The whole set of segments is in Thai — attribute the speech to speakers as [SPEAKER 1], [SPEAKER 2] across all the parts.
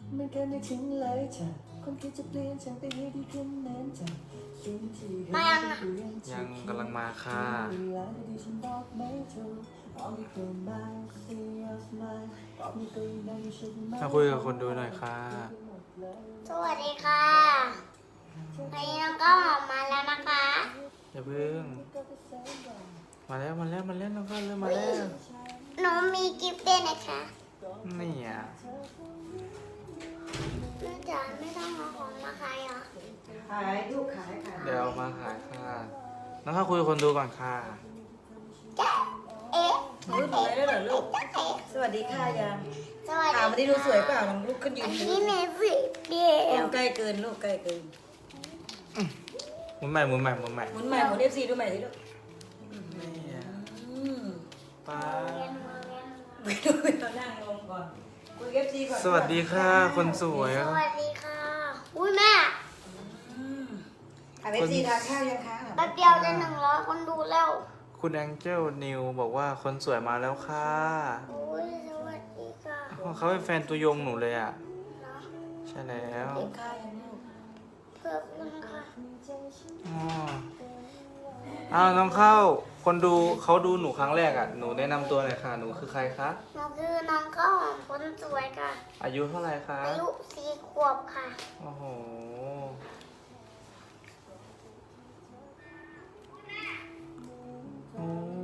[SPEAKER 1] ไม่เคยนึกถึงเลยจ้ะคนคิดจะเปลี่ยนฉันไปให้ดีขึ้นนั้นจ้ะสิ่งที่เห็นก็เปลี่ยน
[SPEAKER 2] ยังกำลังมาค่ะ
[SPEAKER 1] เวลาดีๆฉันบอกไม่ถูกเอาไม่เกินมาเสียมาบอกไม่ตัวเองฉันไม่
[SPEAKER 2] มาคุยกับคนดูหน่อยค่ะ
[SPEAKER 3] สวัสดีค่ะวันนี้น้องก็ออกมาแล้วนะคะ
[SPEAKER 2] อย่าเพิ่งมาแล้วน้องก็เริ่มมาแล้ว
[SPEAKER 3] หนูมีกิฟต์ด้วยนะคะ
[SPEAKER 2] นี่อ่ะ
[SPEAKER 3] แม่จ๋าไม่ต้องเอาของมาขายเหรอ
[SPEAKER 4] ขายลูกขาย
[SPEAKER 2] เดี๋ยวเอามาขายค่ะน้องเข้าคุยกับคนดูก่อนค่ะ
[SPEAKER 3] จ๊ะเอ๊ะ
[SPEAKER 4] รู้ทำไมได้เหรอลูก สวัสดีค่ะยัง
[SPEAKER 3] สวัสดี
[SPEAKER 4] ถามวันนี้ดูสวยเปล่าลองลูกขึ้นยื
[SPEAKER 3] อั
[SPEAKER 4] น
[SPEAKER 3] น
[SPEAKER 4] ดู
[SPEAKER 3] นี้เนสิเดียว
[SPEAKER 4] ใกล้เกินลูกใกล้เกิน
[SPEAKER 2] หมุนใหม่
[SPEAKER 4] หมุนใหม่หมุนเอฟซีดูใหม่สิลูก
[SPEAKER 2] นี่อ่ะ
[SPEAKER 4] ป้า
[SPEAKER 2] ป้า
[SPEAKER 4] ไปดูเรานั่งลงก่อนคุยเอฟซีก่อน
[SPEAKER 2] สวัสดีค่ะ คนสวย
[SPEAKER 3] สวัสดีค่ะ อุ้ยแม่
[SPEAKER 4] ถามเอฟซีทานข้าวยังคะ
[SPEAKER 3] แป๊บเดียวจะ100 คนดูแล้ว
[SPEAKER 2] คุณแองเจิลนิวบอกว่าคนสวยมาแล้วค่ะ
[SPEAKER 3] อุ้ยสวัสดีค่ะ
[SPEAKER 2] เขาเป็นแฟนตัวยงหนูเลยอ่ะ
[SPEAKER 3] เนาะ
[SPEAKER 2] ใช่แล้ว
[SPEAKER 4] กินข้าวยังลูก
[SPEAKER 3] เพิ่มนึงค่ะ
[SPEAKER 2] อ๋ออ้าวน้องเข้า คนดูเขาดูหนูครั้งแรกอ่ะ หนูแนะนำตัวหน่อยค่ะ หนูคือใครคะ
[SPEAKER 3] หนูคือน้องข้าวหอมคนสวยค่ะ
[SPEAKER 2] อายุเท่าไหร่คะ
[SPEAKER 3] อายุ4 ขวบค่ะ
[SPEAKER 2] โอ้โห โอ้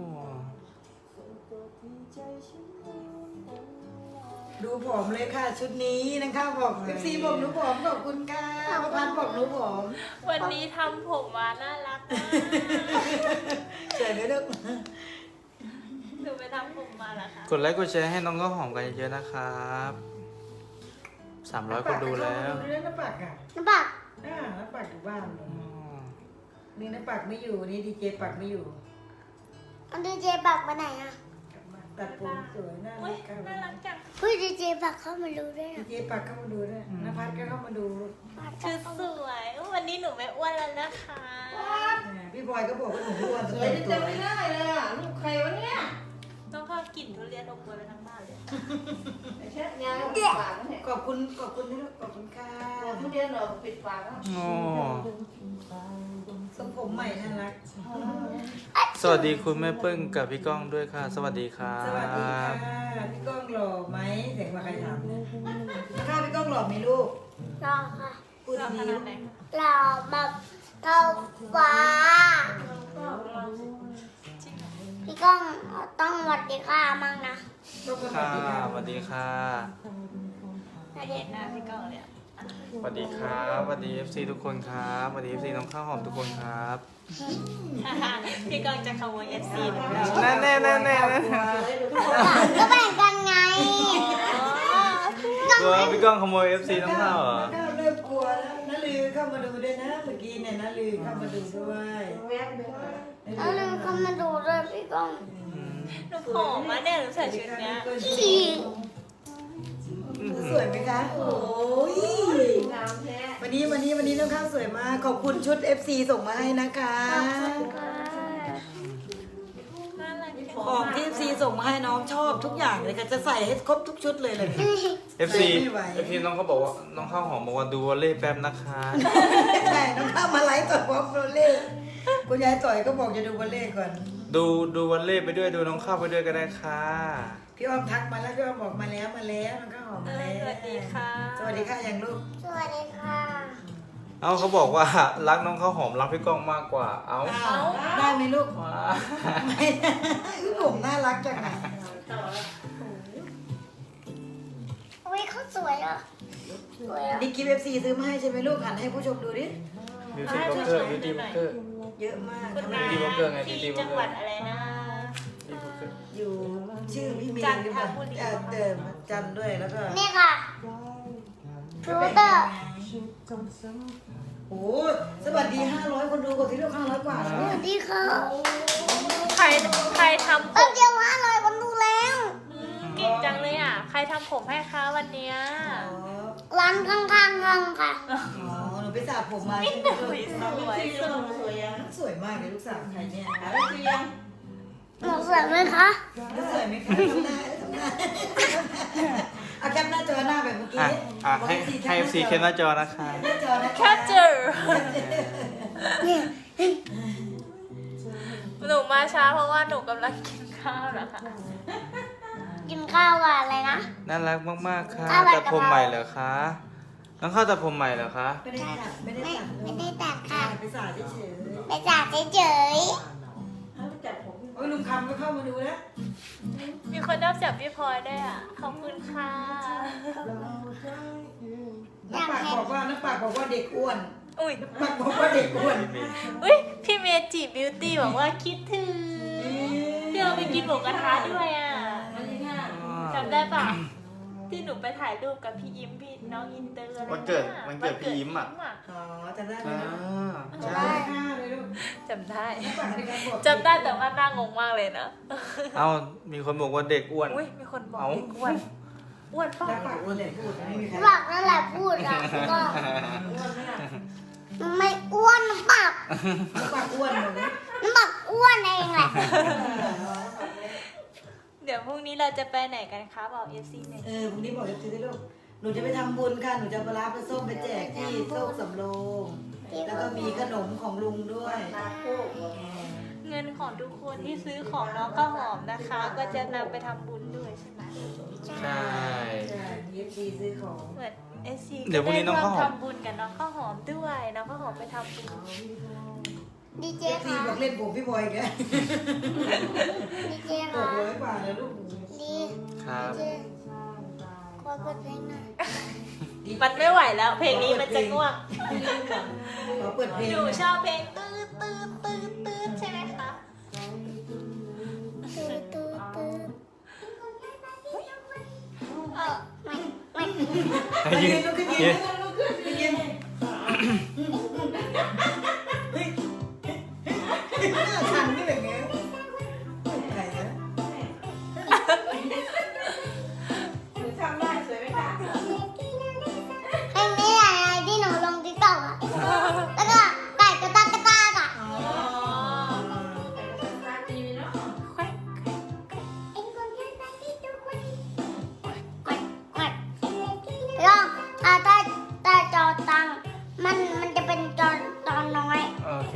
[SPEAKER 4] ดูผอมเลยค่ะ ชุดนี้นะคะบอกเอฟซีบอกหนูผอมขอบคุณค่ะประพันธ์บอกหนูผอม
[SPEAKER 5] วันนี้ทำผมมาน่ารักมาก
[SPEAKER 4] สวยไหมลูก
[SPEAKER 5] หนูไปทำผมมาแล้วค่ะ
[SPEAKER 2] กดไลค์กดแชร์ให้น้องก็หอมกันเยอะๆนะครับ300 คนดูแล้ว
[SPEAKER 4] ดูน้ำปักอ่ะ
[SPEAKER 3] น้ำปัก
[SPEAKER 4] น้ำปักอยู่บ้าน
[SPEAKER 2] อ๋อ
[SPEAKER 4] นี่น้ำปักไม่อยู่นี่ดีเจปักไม่อยู่
[SPEAKER 3] อันดีเจปักไปไหนอ่ะ
[SPEAKER 4] ตัดผมสวยน่า
[SPEAKER 5] อุ้
[SPEAKER 4] รั
[SPEAKER 5] ย
[SPEAKER 4] กค่ะ
[SPEAKER 5] น่ารักจัง
[SPEAKER 3] เฮ้ยดีเจปักเข้ามาดูด้วย
[SPEAKER 4] ดี
[SPEAKER 3] นะ
[SPEAKER 4] เจปักเข้ามาดูด้วยนภัสก็เข้ามาดู
[SPEAKER 5] ชุดสวยวันนี้หนูไม่อ้วนแล้วนะคะ
[SPEAKER 4] พี่บอยก็บอกว่าหนูอ้วน
[SPEAKER 6] สวยจำไม่ได้เลยอ่ะลูกใครวะเนี่ย
[SPEAKER 5] ต้องเข้ากลิ่นทุเรียนอบอวลไปทั้งบ้านเลย
[SPEAKER 6] ไอ้เช็ดงานปิดปากแล้วเนี่ย
[SPEAKER 4] ขอบคุณที่ลูกขอบคุณค่ะ
[SPEAKER 6] ทุเรียนเราปิดปากแล้ว
[SPEAKER 2] โอ้
[SPEAKER 4] ทรงผมใหม่น่ารัก
[SPEAKER 2] สวัสดีคุณแม่เปิ้งกับพี่ก้องด้วยค่ะ สวัสดีครั
[SPEAKER 4] สวัสดีค่ะ
[SPEAKER 2] บ
[SPEAKER 4] พี่ก้องหล่อไหมเสียงว่าใครถามข้าพี่ก้องหล่อไหมลูก
[SPEAKER 3] รอค่ะ
[SPEAKER 4] พูด
[SPEAKER 5] เราข
[SPEAKER 4] ดี
[SPEAKER 5] นาดไหน
[SPEAKER 3] รอแบบเท่าฟ้า พี่ก้องต้องสวัสดีค่ะมั่งนะ
[SPEAKER 4] ๆต้องส
[SPEAKER 2] ค่ะ
[SPEAKER 4] วัสดีค่ะ
[SPEAKER 2] สวัสดีค่ะ
[SPEAKER 5] เห็นหน้าพี่ก้องเลยอะ
[SPEAKER 2] สวัสดีครับสวัสดี FC ทุกคนครับสวัสดี FC น้องข้าวหอมทุกคนครับ
[SPEAKER 5] พี่ก้องจะขโมย FC หนูแล้ว
[SPEAKER 2] แน่แน่แน่แน่
[SPEAKER 3] ก็แบ่งกันไง
[SPEAKER 2] กลัวพี่ก้องขโมย FC น้องข้าวเหรอ
[SPEAKER 4] น้าเริ่มกลัวแล้วน้าลือเข้ามาดูด้วยนะเมื่อกี้เนี่ยน้าลือเข้ามาดูด้วย
[SPEAKER 6] แวบเดียว
[SPEAKER 3] แล้วนึงเขามาดูด้วยพี่ก้อง
[SPEAKER 2] อืม
[SPEAKER 5] หนูผอมมาเนี่ยหนูใส่ชุดเนี้ย
[SPEAKER 3] ขี่
[SPEAKER 4] สวยไหมคะโอ้ย
[SPEAKER 6] งามแท้
[SPEAKER 4] วันนี้น้องข้าวสวยมากขอบคุณชุด FC ส่งมาให้นะคะ
[SPEAKER 5] น่ารักจัง
[SPEAKER 4] ของที่ FC ส่งมาให้น้องชอบทุกอย่างเลยค่ะจะใส่ให้ครบทุกชุดเลยเลย
[SPEAKER 2] FC
[SPEAKER 4] ไม่ไหว
[SPEAKER 2] FC น้องเขาบอกว่าน้องข้าวหอมบอกว่าดูวอลเล่แป๊บนะคะ
[SPEAKER 4] ใช่น้องข้าวมาไลฟ์ต่อยพร้อมโรเล่คุณยายต่อยก็บอกจะดูวอลเล่ก่อน
[SPEAKER 2] ดูวอลเล่ไปด้วยดูน้องข้าวไปด้วยก็ได้ค่ะ
[SPEAKER 4] พี่อ้อมทักมาแล้วพี่อ้อมบอกมาแล้วน้องข้าวหอมมาแล้ว
[SPEAKER 5] สวัสดีค่ะ
[SPEAKER 4] สวัสดีค่ะอย่างลูก
[SPEAKER 3] สวัสดีค่ะ
[SPEAKER 2] เอาเขาบอกว่ารักน้องข้าวหอมรักพี่ก้องมากกว่า เอา
[SPEAKER 4] อ้าวได้ไหมลูก
[SPEAKER 2] ว้า
[SPEAKER 4] ไม่ได้ผมน่ารักจังอะ
[SPEAKER 3] อุ้ยเขาสวยอ่ะสวยอ่ะ
[SPEAKER 4] นี่กิฟต์ FC ซื้อมาให้ใช่ไหมลูกหันให้ผู้ชมดูดิ
[SPEAKER 2] บิวตี้บล็อกเกอร์บิวตี้บล็อกเกอร์
[SPEAKER 4] เยอะมาก
[SPEAKER 5] คุณ
[SPEAKER 4] ทำไม
[SPEAKER 5] นา
[SPEAKER 2] ดีบล็อกเกอร์ไงดี
[SPEAKER 5] ที่
[SPEAKER 2] บล็อกเกอร์
[SPEAKER 5] จังหวัดอะไรนะ
[SPEAKER 4] อยู่ชื่อพี่เมย์
[SPEAKER 5] จันทบุรี
[SPEAKER 4] เดิมจันทร์ด้วยแล้วก็
[SPEAKER 3] นี่ค่ะรูเตอร์
[SPEAKER 4] โอ้สวัสดี500คนดูกดที่ลูก500กว่า
[SPEAKER 3] ส
[SPEAKER 4] แล้ว
[SPEAKER 3] วัสดีค่ะ
[SPEAKER 5] ใครทำผ
[SPEAKER 3] แป๊บ
[SPEAKER 5] ม
[SPEAKER 3] เดียว500 คนดูแล้ว
[SPEAKER 5] เก่งจังเลยอ่ะ ใครทำผมให้คะวันเนี้ย
[SPEAKER 3] ร้านข้างๆกันค่ะ
[SPEAKER 4] อ๋อหนูไปสระผมมาใช่ไหมลูก
[SPEAKER 5] สวย
[SPEAKER 6] ที่เราสวยยัง
[SPEAKER 4] สวยมากเลยลูกสาวใครเนี่ย
[SPEAKER 6] หาได้คือยัง
[SPEAKER 3] หนูสวยไหมคะ
[SPEAKER 4] สวยไหมคะทำหน้าเอาแคปหน้าจอหน้าแบบเมื่อกี้
[SPEAKER 2] ให้ให้ FC เคมหน้าจอนะคะ
[SPEAKER 4] หน้าจอนะ
[SPEAKER 5] แคปเจอร์หนูมาช้าเพราะว่าหนูกำลังกินข้าวนะคะ
[SPEAKER 3] กินข้าวกับอะไรนะ
[SPEAKER 2] น่ารักมากๆค่ะ
[SPEAKER 3] อะไร
[SPEAKER 2] ตัด
[SPEAKER 3] กะเพรา
[SPEAKER 2] ผมใหม่เหรอคะน้องข้าวตัดผมใหม่เหรอคะ
[SPEAKER 4] ไม่ได้ตัดไม่ได้
[SPEAKER 3] ไม่
[SPEAKER 4] ตัด
[SPEAKER 3] ไม่ได้ตัดค่ะ
[SPEAKER 4] ไปสาดเฉย
[SPEAKER 3] ไปจ่าเฉย
[SPEAKER 6] ให้ไปจับผม
[SPEAKER 4] ๆโอ้ยลุงคำก็เข้ามาดูแล้ว
[SPEAKER 5] มีคนนับจากพี่พลอยด้วยอ่ะ ขอบคุณค่ะ
[SPEAKER 4] น้ำปากบอกว่าเด็กอ้วน
[SPEAKER 5] อุ้ย
[SPEAKER 4] ปากบอกว่าเด็กอ้วน
[SPEAKER 5] อุ้ยพี่เมจิบิวตี้บอกว่าคิดถึงที่เราไปกินหมูกระทะด้วยอ่ะ
[SPEAKER 6] วันที่ห้า
[SPEAKER 5] จำได้ปะที่หนูไปถ่ายรูปกับพี่ยิ้มพี่น้องอินเตอร์อะไร
[SPEAKER 2] วันเกิดพี่ยิ้มอ่ะ
[SPEAKER 4] อ๋อจำได้ไหม
[SPEAKER 2] อ่า
[SPEAKER 4] จำ
[SPEAKER 2] ใช่
[SPEAKER 4] ได้ค่ะเลยลูก
[SPEAKER 5] จำได้
[SPEAKER 4] น้ำปากในการบอก
[SPEAKER 5] จำได้แต่ว่าหน้างงมากเลยนะ
[SPEAKER 2] เอามีคนบอกว่าเด็กอ้วน
[SPEAKER 5] อุ้ยมีคนบอก
[SPEAKER 2] เอ้า
[SPEAKER 5] เด็กอ้วนอ้วนป่ะ
[SPEAKER 4] น้ำปากอ้วนเลยพูดไม่มีใคร
[SPEAKER 3] ๆบอกนั่นแหละพูดอ่ะก็
[SPEAKER 6] อ้วนไหมล่ะ
[SPEAKER 3] มันไม่อ้วนน้ำปาก
[SPEAKER 4] น้ำปากอ้วนหมดเลย
[SPEAKER 3] น้ำปากอ้วนเองแหละ
[SPEAKER 5] เดี๋ยวพรุ่งนี้เราจะไปไหนกันคะบอกเอฟซีหน่อย
[SPEAKER 4] พรุ่งนี้บอกจะซื้อลูกหนูจะไปทำบุญค่ะหนูจะปลาร้าปลาส้มไปแจกที่โซกสำโรงแล้วก็มีขนมของลุงด้วย
[SPEAKER 6] ตาคู่
[SPEAKER 5] เงินของทุกคนที่ซื้อของน้องข้าวหอมนะคะ ก็จะนำไปทำบุญด้วยใช่ไหม
[SPEAKER 2] ใช่
[SPEAKER 4] ใช่ยีฟซีซื้อของ
[SPEAKER 5] เหมือนเอฟซี
[SPEAKER 2] เดี๋ยวพรุ่งนี้น้องข้าวหอม
[SPEAKER 5] ทำบุญกับน้องข้าวหอมด้วยน้องข้าวหอมไปทำบุญ
[SPEAKER 3] ดีเจ
[SPEAKER 4] ซี
[SPEAKER 3] ค่ะ
[SPEAKER 4] บอกเล่นผมพี่บอยแก
[SPEAKER 3] ดีเจ
[SPEAKER 4] บอ
[SPEAKER 3] ค่ะ
[SPEAKER 4] ก100 บาทเลยลูก
[SPEAKER 3] ดี
[SPEAKER 2] ครับ
[SPEAKER 3] เจขอเปิดเพลงหน่อย
[SPEAKER 5] มันไม่ไหวแล้ว เพลงนี้มันจะง่วง
[SPEAKER 4] ขอเปิดเพลง
[SPEAKER 5] หนูชอบเพลงตื้อตื้อตื้อตื้อใช่ไหมคะ
[SPEAKER 3] ตื้อตื้อตื้อไม่
[SPEAKER 2] ยืน
[SPEAKER 4] ลูกขึ้น
[SPEAKER 2] ยื
[SPEAKER 4] ยื
[SPEAKER 2] น
[SPEAKER 4] นลูกขึ้นยืนหน้าชันนี่แบบนี้ใครนะ
[SPEAKER 6] หนูทำได้สวยไหมคะ
[SPEAKER 3] เพลงนี้อะไรที่หนูลงติ๊กต็อกอ่ะแล้วก็ไก่กระตากกระตากอ่ะ
[SPEAKER 4] อ๋อ
[SPEAKER 6] ตาตีเนาะ
[SPEAKER 5] แควะ
[SPEAKER 3] แล้วถ้าจอตังมันจะเป็นจอน้อย
[SPEAKER 2] โอเค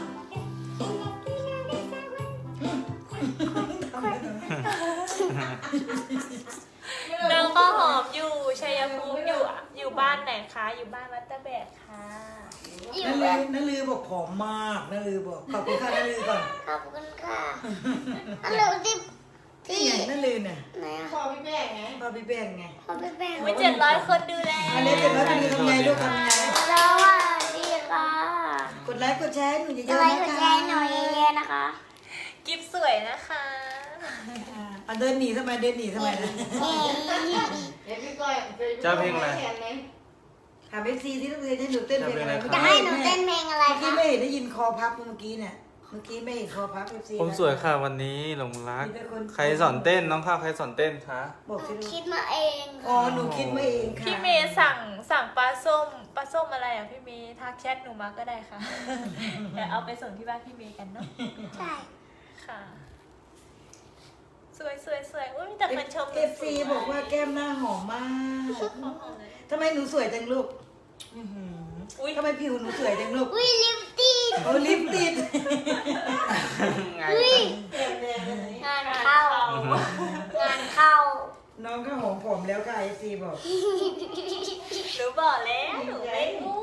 [SPEAKER 5] น้องข้าวหอมอยู่ชัยภูมิอยู่บ้านไหนคะอยู่บ้านวัดตะแบกค่ะ
[SPEAKER 3] อยู่
[SPEAKER 4] นั่นลือบอกผอมมากนั่นลือบอกขอบคุณค่ะนั่นลือก่อน
[SPEAKER 3] ขอบคุณค่ะอันเหลือที่
[SPEAKER 4] นี่ไงนั่นลือเนี่ย
[SPEAKER 3] ไหนอ่ะ
[SPEAKER 6] พ่อพี่แม่ไง
[SPEAKER 4] พ่อพี่แป้งไง
[SPEAKER 3] ขอไปแบ่ง
[SPEAKER 5] ไม่700 คนดูแล
[SPEAKER 4] อันนี้เจ็บแล้วนั่นลือทำไงลูกทำไง
[SPEAKER 3] แล้วว่าดีค่ะ
[SPEAKER 4] กดไลค์กดแชร์ให้หนูเย
[SPEAKER 3] จะ
[SPEAKER 4] อะ
[SPEAKER 3] ไว้
[SPEAKER 4] ๆ
[SPEAKER 3] ก
[SPEAKER 4] นะ
[SPEAKER 3] ด
[SPEAKER 4] คะ
[SPEAKER 3] แชร์หน่อยเยอะๆนะคะ
[SPEAKER 5] กิฟสวยนะคะ
[SPEAKER 4] อ่ะเดินหนีทำไมเดินหนีทำไมนะ
[SPEAKER 6] เดี๋ยวพี่ก้อยไปดู
[SPEAKER 2] เจ้าเพลงอะไร
[SPEAKER 6] แทนไหม
[SPEAKER 4] ถามเอฟซีที่ต้องเรียนให้หนูเต้นเพลงอะไร
[SPEAKER 3] จะให้หนูเต้นเพลงอะไร
[SPEAKER 4] เมื่อกี้
[SPEAKER 3] คะ
[SPEAKER 4] ไม่เห็นได้ยินคอพับเมื่อกี้เนี่ยเมื่อกี้ไม่เห็นคอพับเอฟซี
[SPEAKER 2] ผมสวยค่ะวันนี้หลงรัก ใครสอนเต้นน้องข้าวใครสอนเต้นคะ
[SPEAKER 4] บอก
[SPEAKER 3] ห
[SPEAKER 4] สิ
[SPEAKER 3] นู
[SPEAKER 4] ลูก
[SPEAKER 3] คิดมาเอง
[SPEAKER 4] อ๋อหนูคิดมาเองค่ะ
[SPEAKER 5] พี่เมย์สั่งปลาส้มอะไรอ่ะพี่เมย์ทักแชทหนูมาก็ได้ค่ะ เดี๋ยวเอาไปส่งที่บ้านพี่เมย์กันเนาะ
[SPEAKER 3] ใช่
[SPEAKER 5] ค่ะ สวยอุ้ยมีแต่คนชมหนู
[SPEAKER 4] เอฟซีบอกว่าแก้มหน้าหอมมากทำไมหนูสวยจังลูก
[SPEAKER 5] อุ้ย
[SPEAKER 4] ทำไมผิวหนูสวยจังลูก
[SPEAKER 3] อุ้ยลิปติด
[SPEAKER 4] โอ้ลิปติด
[SPEAKER 3] อุ้ย
[SPEAKER 6] แดงๆเลย
[SPEAKER 3] งานเข้า งานเข้า
[SPEAKER 4] น้องก็หอมผมแล้วค่ะเอฟซีบอก
[SPEAKER 5] หนูบอกแล้วหนูไม่